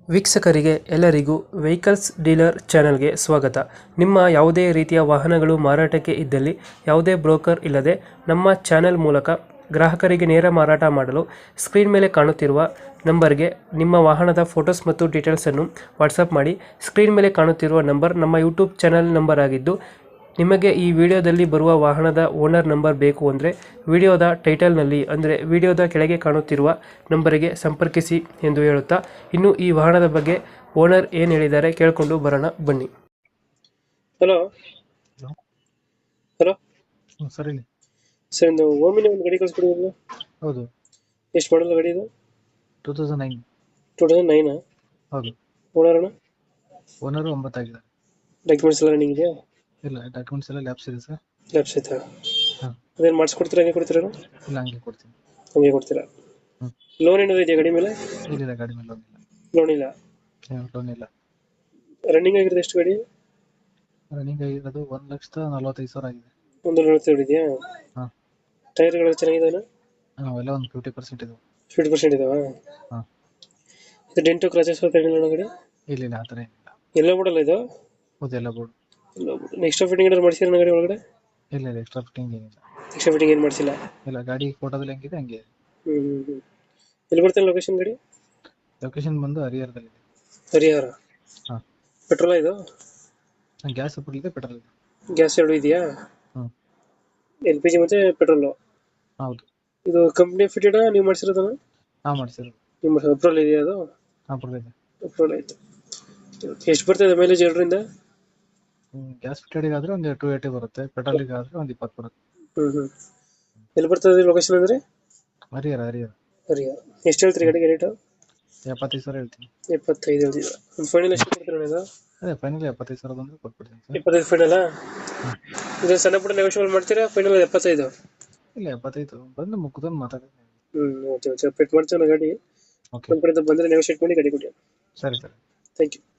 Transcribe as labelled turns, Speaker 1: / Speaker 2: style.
Speaker 1: ವೀಕ್ಷಕರಿಗೆ ಎಲ್ಲರಿಗೂ vehicles dealer ಚಾನೆಲ್ಗೆ ಸ್ವಾಗತ. ನಿಮ್ಮ ಯಾವುದೇ ರೀತಿಯ ವಾಹನಗಳು ಮಾರಾಟಕ್ಕೆ ಇದ್ದಲ್ಲಿ ಯಾವುದೇ ಬ್ರೋಕರ್ ಇಲ್ಲದೆ ನಮ್ಮ ಚಾನೆಲ್ ಮೂಲಕ ಗ್ರಾಹಕರಿಗೆ ನೇರ ಮಾರಾಟ ಮಾಡಲು ಸ್ಕ್ರೀನ್ ಮೇಲೆ ಕಾಣುತ್ತಿರುವ ನಂಬರ್ಗೆ ನಿಮ್ಮ ವಾಹನದ ಫೋಟೋಸ್ ಮತ್ತು ಡೀಟೇಲ್ಸನ್ನು ವಾಟ್ಸಪ್ ಮಾಡಿ. ಸ್ಕ್ರೀನ್ ಮೇಲೆ ಕಾಣುತ್ತಿರುವ ನಂಬರ್ ನಮ್ಮ ಯೂಟ್ಯೂಬ್ ಚಾನೆಲ್ ನಂಬರ್ ಆಗಿದ್ದು, ನಿಮಗೆ ಈ ವಿಡಿಯೋದಲ್ಲಿ ಬರುವ ವಾಹನದ ಓನರ್ ನಂಬರ್ ಬೇಕು ಅಂದರೆ ವಿಡಿಯೋದ ಟೈಟಲ್ನಲ್ಲಿ ಅಂದರೆ ವಿಡಿಯೋದ ಕೆಳಗೆ ಕಾಣುತ್ತಿರುವ ನಂಬರಿಗೆ ಸಂಪರ್ಕಿಸಿ ಎಂದು ಹೇಳುತ್ತಾ, ಇನ್ನು ಈ ವಾಹನದ ಬಗ್ಗೆ ಓನರ್ ಏನು ಹೇಳಿದ್ದಾರೆ ಕೇಳಿಕೊಂಡು ಬರೋಣ ಬನ್ನಿ. Hello
Speaker 2: hello.
Speaker 1: ಹಲೋ
Speaker 2: ಸರ್ ಹೇಳಿ.
Speaker 1: ಸರ್, ಒಂದು ಓಮಿನ ಒಂದು ಗಾಡಿ ಕಳಿಸ್ಕೊಡಿದ್ರಲ್ಲ,
Speaker 2: ಹೌದು,
Speaker 1: ಎಷ್ಟು ಮಾಡಲ್ಲ ಗಾಡಿ ಇದು?
Speaker 2: 2009.
Speaker 1: 2009.
Speaker 2: ಹೌದು,
Speaker 1: ಓನರ್ನ
Speaker 2: ಓನರು 9 ಆಗಿದ್ದಾರೆ.
Speaker 1: ಡಾಕ್ಯುಮೆಂಟ್ಸ್ ಎಲ್ಲ ರನ್ನಿಂಗ್ ಇದೆಯಾ?
Speaker 2: ಇಲ್ಲ, ಡಾಕ್ಯುಮೆಂಟ್ಸ್ ಎಲ್ಲ ಲ್ಯಾಬ್ಸ್ ಇದೆ ಸರ್.
Speaker 1: ಲ್ಯಾಪ್ಸ್ ಆಯ್ತಾ?
Speaker 2: ಹಾಂ,
Speaker 1: ಅದೇನು ಮಾಡಿಸ್ಕೊಡ್ತೀರಾ, ಹಂಗೆ ಕೊಡ್ತೀರಾ?
Speaker 2: ಇಲ್ಲ ಹಂಗೆ ಕೊಡ್ತೀನಿ.
Speaker 1: ಹಂಗೆ ಕೊಡ್ತೀರಾ?
Speaker 2: ಹ್ಞೂ,
Speaker 1: ಲೋನ್ ಏನಾದ್ರು ಇದೆಯಾ ಗಾಡಿ ಮೇಲೆ?
Speaker 2: ಇಲ್ಲ ಗಾಡಿ ಮೇಲೆ ಲೋನ್ ಇಲ್ಲ.
Speaker 1: ಲೋನ್ ಇಲ್ಲ.
Speaker 2: ಲೋನ್ ಇಲ್ಲ.
Speaker 1: ರನ್ನಿಂಗ್ ಆಗಿರೋದು ಎಷ್ಟು ಗಾಡಿ?
Speaker 2: ರನ್ನಿಂಗ್ ಆಗಿರೋದು 1,45,000 ಆಗಿದೆ.
Speaker 1: ಒಂದು 40 ಇದೆಯಾ?
Speaker 2: ಹಾಂ,
Speaker 1: ಟೈರ್ಗಳು ಚೆನ್ನಾಗಿದಾವೆ?
Speaker 2: ಅವೆಲ್ಲ ಒಂದು 50% ಇದೆ.
Speaker 1: 50% ಇದಾವ?
Speaker 2: ಹಾಂ,
Speaker 1: ಇದು ಡೆಂಟು ಕ್ರಾಚಸ್ ಏನಿಲ್ಲ ಗಾಡಿ?
Speaker 2: ಇಲ್ಲ ಆ ಥರ ಏನಿಲ್ಲ.
Speaker 1: ಎಲ್ಲ ಬೋರ್ಡಲ್ಲ ಇದು?
Speaker 2: ಹೌದು, ಎಲ್ಲ ಬೋರ್ಡ್.
Speaker 1: ಎಕ್ಸ್ಟ್ರಾ ಫಿಟ್ಟಿಂಗ್ ಏನಾದ್ರು ಮಾಡಿಸಿರ ಗಾಡಿ ಒಳಗಡೆ?
Speaker 2: ಇಲ್ಲ ಎಕ್ಸ್ಟ್ರಾ ಫಿಟ್ಟಿಂಗ್ ಏನಿಲ್ಲ.
Speaker 1: ಎಕ್ಸ್ಟ್ರಾ ಫಿಟ್ಟಿಂಗ್ ಏನು ಮಾಡಿಸಿಲ್ಲ?
Speaker 2: ಇಲ್ಲ, ಗಾಡಿ ಫೋಟೋದಲ್ಲಿ ಹೆಂಗಿದೆ ಹಂಗೆ ಇದೆ.
Speaker 1: ಹ್ಞೂ. ಎಲ್ಲಿ ಬರ್ತಲ್ಲ ಲೊಕೇಶನ್ ಗಾಡಿ?
Speaker 2: ಲೊಕೇಶನ್ ಬಂದು ಹರಿಹರದಲ್ಲಿದೆ.
Speaker 1: ಹರಿಹರ.
Speaker 2: ಹಾಂ,
Speaker 1: ಪೆಟ್ರೋಲ ಇದು?
Speaker 2: ಗ್ಯಾಸ್ ಇದೆ, ಪೆಟ್ರೋಲ್ ಇದೆ.
Speaker 1: ಗ್ಯಾಸ್ ಎರಡು ಇದೆಯಾ?
Speaker 2: ಹ್ಞೂ,
Speaker 1: LPG ಮತ್ತೆ ಪೆಟ್ರೋಲು?
Speaker 2: ಹೌದು.
Speaker 1: ಇದು ಕಂಪ್ನಿ ಫಿಟೆಡ್ ನೀವು ಮಾಡಿಸಿರೋದನ್ನ?
Speaker 2: ಹಾಂ, ಮಾಡಿಸಿರೋದು.
Speaker 1: ನಿಮ್ಮ ಅಪ್ರೂವಲ್ ಇದೆಯಾ ಅದು?
Speaker 2: ಹಾಂ, ಪರವಾಗಿಲ್ಲ.
Speaker 1: ಅಪ್ರೂವಲ್ ಆಯಿತು. ಎಷ್ಟು ಬರ್ತದೆ ಮೈಲೇಜ್ ಎರಡರಿಂದ?
Speaker 2: ಗ್ಯಾಸ್ ಫಿಟೆಡಿಗೆ ಆದರೆ ಒಂದು 280 ಬರುತ್ತೆ, ಪೆಟ್ರೋಲಿಗೆ ಆದರೆ ಒಂದು 20 ಬರುತ್ತೆ.
Speaker 1: ಹ್ಞೂ. ಎಲ್ಲಿ ಬರ್ತದೆ ಲೊಕೇಶನ್ ಅಂದರೆ?
Speaker 2: ಹರಿಹರ.
Speaker 1: ಹರಿಹರ. ಎಷ್ಟು ಹೇಳ್ತೀರಿ ಗಾಡಿಗೆ ರೇಟು?
Speaker 2: 75,000 ಹೇಳ್ತೀನಿ.
Speaker 1: 75 ಹೇಳ್ತೀರಾ? ಒಂದು ಫೈನಲ್ ಎಷ್ಟು ಕೊಡ್ತೀರಾ ಇದು?
Speaker 2: ಅದೇ ಫೈನಲ್ 75,000 ಬಂದರೆ ಕೊಟ್ಬಿಡ್ತೀನಿ ಸರ್.
Speaker 1: 25 ಫೈನಲಾ? ಇದು ಸಣ್ಣ ಪುಟ್ಟ ನೆಗೋಷಿಯಬಲ್ ಮಾಡ್ತೀರಾ? ಫೈನಲ್ 75?
Speaker 2: ಇಲ್ಲ, 75 ಬಂದು ಮುಗ್ದೊಂದು ಮಾತಾಡೋದು.
Speaker 1: ಓಕೆ. ಅಪ್ಡೇಟ್ ಮಾಡ್ತೀವಿ ಗಾಡಿ.
Speaker 2: ಓಕೆ,
Speaker 1: ನಮ್ಮ ಕಡೆಯಿಂದ ಬಂದರೆ ನೆಗೋಷಿಯೇಟ್ ಮಾಡಿ ಗಾಡಿ ಕೊಡಿ.
Speaker 2: ಸರಿ ಸರಿ.
Speaker 1: Thank you.